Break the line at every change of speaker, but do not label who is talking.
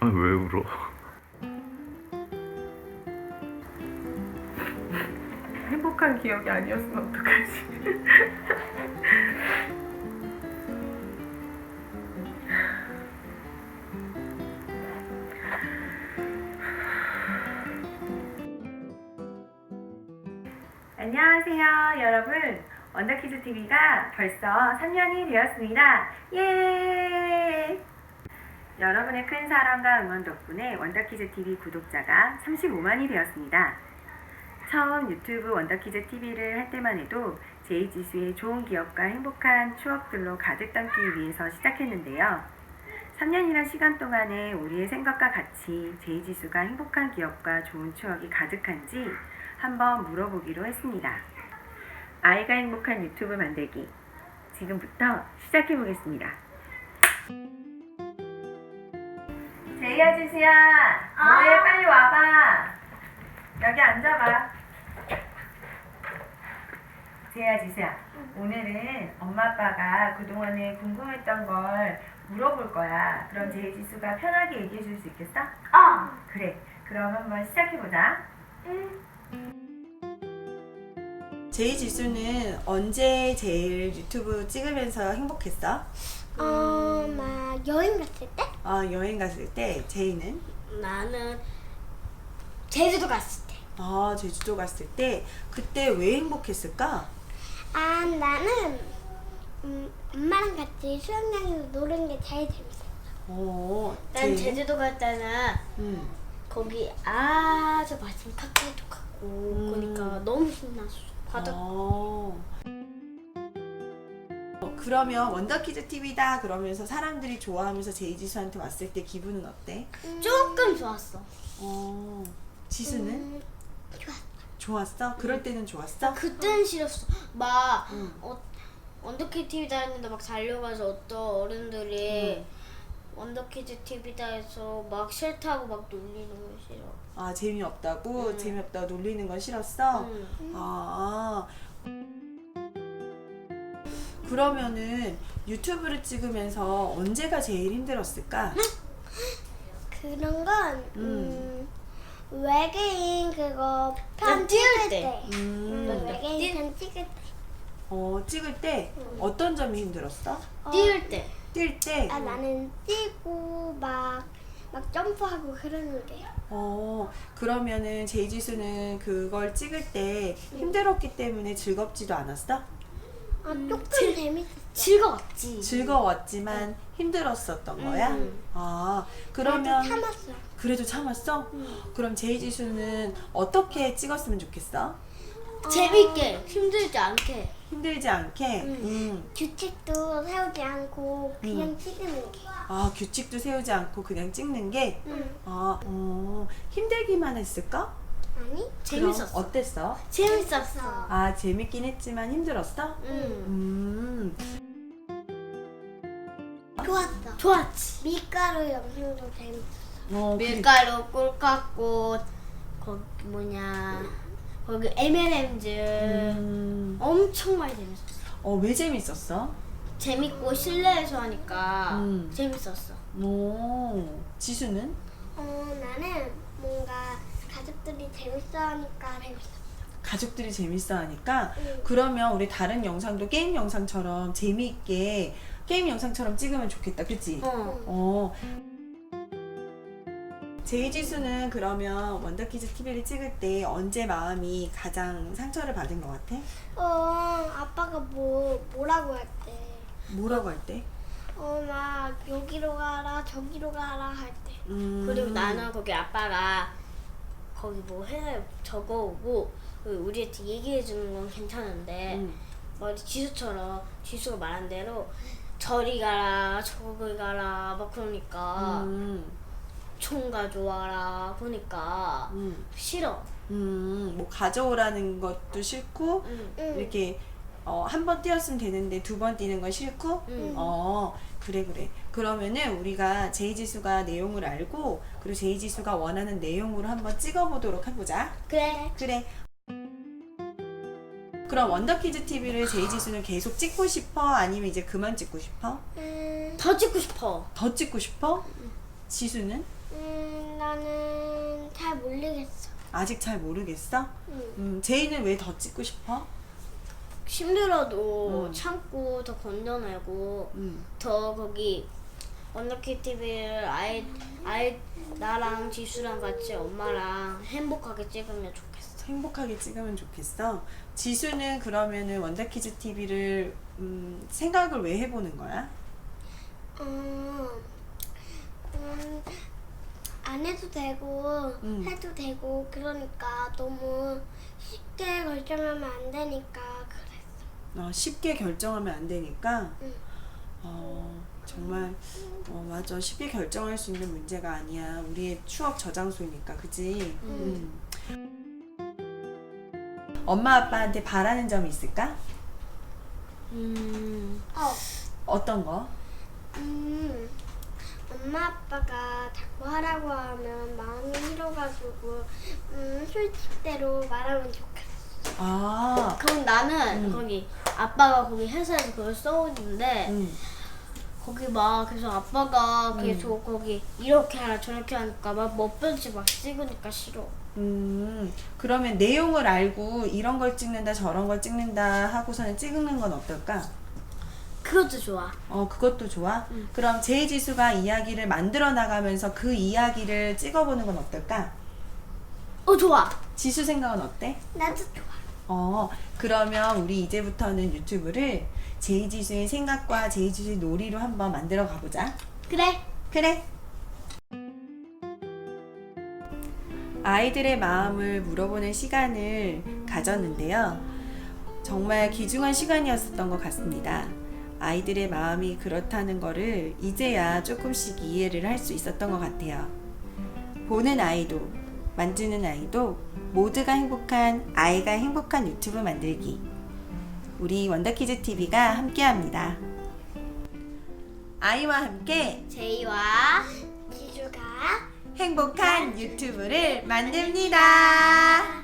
아니, 왜 울어?
행복한 기억이 아니었으면 어떡하지? 안녕하세요, 여러분. 원더키즈 TV가 벌써 3년이 되었습니다. 예! 여러분의 큰 사랑과 응원 덕분에 원더키즈 TV 구독자가 35만이 되었습니다. 처음 유튜브 원더키즈 TV를 할 때만 해도 제이지수의 좋은 기억과 행복한 추억들로 가득 담기 위해서 시작했는데요. 3년이란 시간 동안에 우리의 생각과 같이 제이지수가 행복한 기억과 좋은 추억이 가득한지 한번 물어보기로 했습니다. 아이가 행복한 유튜브 만들기, 지금부터 시작해보겠습니다. 제이야, 지수야, 뭐해? 빨리 와봐. 여기 앉아봐. 제이야, 지수야, 오늘은 엄마 아빠가 그동안에 궁금했던 걸 물어볼 거야. 그럼 제이 지수가 편하게 얘기해 줄 수 있겠어? 그래, 그럼 한번 시작해보자.
제이 지수는 언제 제일 유튜브 찍으면서 행복했어?
막 여행 갔을 때?
여행 갔을 때. 제이는?
나는 제주도 갔을 때.
제주도 갔을 때. 그때 왜 행복했을까?
나는 엄마랑 같이 수영장에서 노는 게 제일 재밌었어. 난
제이는?
제주도 갈 때는 거기 아주 맛있는 카페도 가고 그러니까 너무 신났어.
그러면 원더키즈 TV다 그러면서 사람들이 좋아하면서 제이 지수한테 왔을 때 기분은 어때?
조금 좋았어.
지수는?
좋았어.
좋았어? 그럴 때는 좋았어?
그때는 싫었어. 막 원더키즈 TV다 했는데 막 달려가서 어떤 어른들이 원더키즈 TV다 해서 막 싫다고 막 놀리는 거 싫어.
재미없다고? 재미없다고 놀리는 건 싫었어? 그러면은 유튜브를 찍으면서 언제가 제일 힘들었을까?
그런 건 외계인 그거 편 찍을 때. 외계인 편 찍을 때.
찍을 때 어떤 점이 힘들었어?
뛸 때.
뛸 때?
나는 뛰고 막 점프하고 그러는 게.
그러면은 제이지수는 그걸 찍을 때 힘들었기 때문에 즐겁지도 않았어?
조금 재밌었어. 즐거웠지.
즐거웠지만 힘들었었던 거야? 그러면
참았어.
그래도 참았어? 그럼 제이지수는 어떻게 찍었으면 좋겠어?
재밌게, 힘들지 않게.
힘들지 않게?
규칙도 세우지 않고 그냥 찍는 게.
규칙도 세우지 않고 그냥 찍는 게? 힘들기만 했을까?
아니?
그럼 어땠어?
재밌었어.
재밌긴 했지만 힘들었어?
좋았어. 좋았지. 밀가루 영상도 재밌었어.
밀가루.
꿀 깎고 거기 거기 M&M's 엄청 많이 재밌었어.
왜 재밌었어?
재밌고 실내에서 하니까 재밌었어.
지수는?
나는 뭔가 가족들이 재밌어 하니까 재밌었어.
가족들이 재밌어 하니까? 그러면 우리 다른 영상도 게임 영상처럼 재미있게 게임 영상처럼 찍으면 좋겠다, 그치? 제이지수는 그러면 원더키즈 TV를 찍을 때 언제 마음이 가장 상처를 받은 것 같아?
아빠가 뭐라고 할 때.
뭐라고 할 때?
막 여기로 가라 저기로 가라 할 때.
그리고 나는 거기 아빠가 거기 뭐 회사에 적어오고 우리한테 얘기해주는 건 괜찮은데 지수처럼 지수가 말한 대로 저리 가라 저기 가라 막 그러니까 총 가져와라 그러니까 싫어.
뭐 가져오라는 것도 싫고 이렇게 한 번 뛰었으면 되는데 두 번 뛰는 건 싫고? 그래. 그러면은 우리가 제이지수가 내용을 알고 그리고 제이지수가 원하는 내용으로 한번 찍어보도록 해보자.
그래.
그럼 원더키즈 TV를 제이지수는 계속 찍고 싶어? 아니면 이제 그만 찍고 싶어?
더 찍고 싶어.
더 찍고 싶어? 지수는?
나는 잘 모르겠어.
아직 잘 모르겠어? 제이는 왜 더 찍고 싶어?
힘들어도 참고 더 건져내고
음.
더 거기 원더키즈 TV를 아예 나랑 지수랑 같이 엄마랑 행복하게 찍으면 좋겠어.
행복하게 찍으면 좋겠어. 지수는 그러면은 원더키즈 TV를 생각을 왜 해보는 거야?
안 해도 되고
음.
해도 되고 그러니까 너무 쉽게 결정하면 안 되니까 그랬어.
쉽게 결정하면 안 되니까.
응.
정말 맞아. 쉽게 결정할 수 있는 문제가 아니야. 우리의 추억 저장소니까, 그지? 엄마 아빠한테 바라는 점이 있을까? 어떤 거?
엄마 아빠가 자꾸 하라고 하면 마음이 싫어가지고 솔직대로 말하면 좋겠어.
아,
그럼 나는 거기 아빠가 거기 회사에서 그걸 써오는데 거기 막 그래서 아빠가 계속 거기 이렇게 하라 저렇게 하니까 막 멋변치 막 찍으니까 싫어.
그러면 내용을 알고 이런 걸 찍는다 저런 걸 찍는다 하고서는 찍는 건 어떨까?
그것도 좋아.
그것도 좋아? 그럼 제이지수가 이야기를 만들어 나가면서 그 이야기를 찍어보는 건 어떨까?
좋아.
지수 생각은 어때?
나도 좋아.
그러면 우리 이제부터는 유튜브를 제이지수의 생각과 제이지수의 놀이로 한번 만들어 가보자.
그래.
그래. 아이들의 마음을 물어보는 시간을 가졌는데요. 정말 귀중한 시간이었던 것 같습니다. 아이들의 마음이 그렇다는 거를 이제야 조금씩 이해를 할 수 있었던 것 같아요. 보는 아이도, 만지는 아이도 모두가 행복한 아이가 행복한 유튜브 만들기. 우리 원더키즈 TV가 함께합니다. 아이와 함께
제이와
지주가
행복한 유튜브를 만듭니다.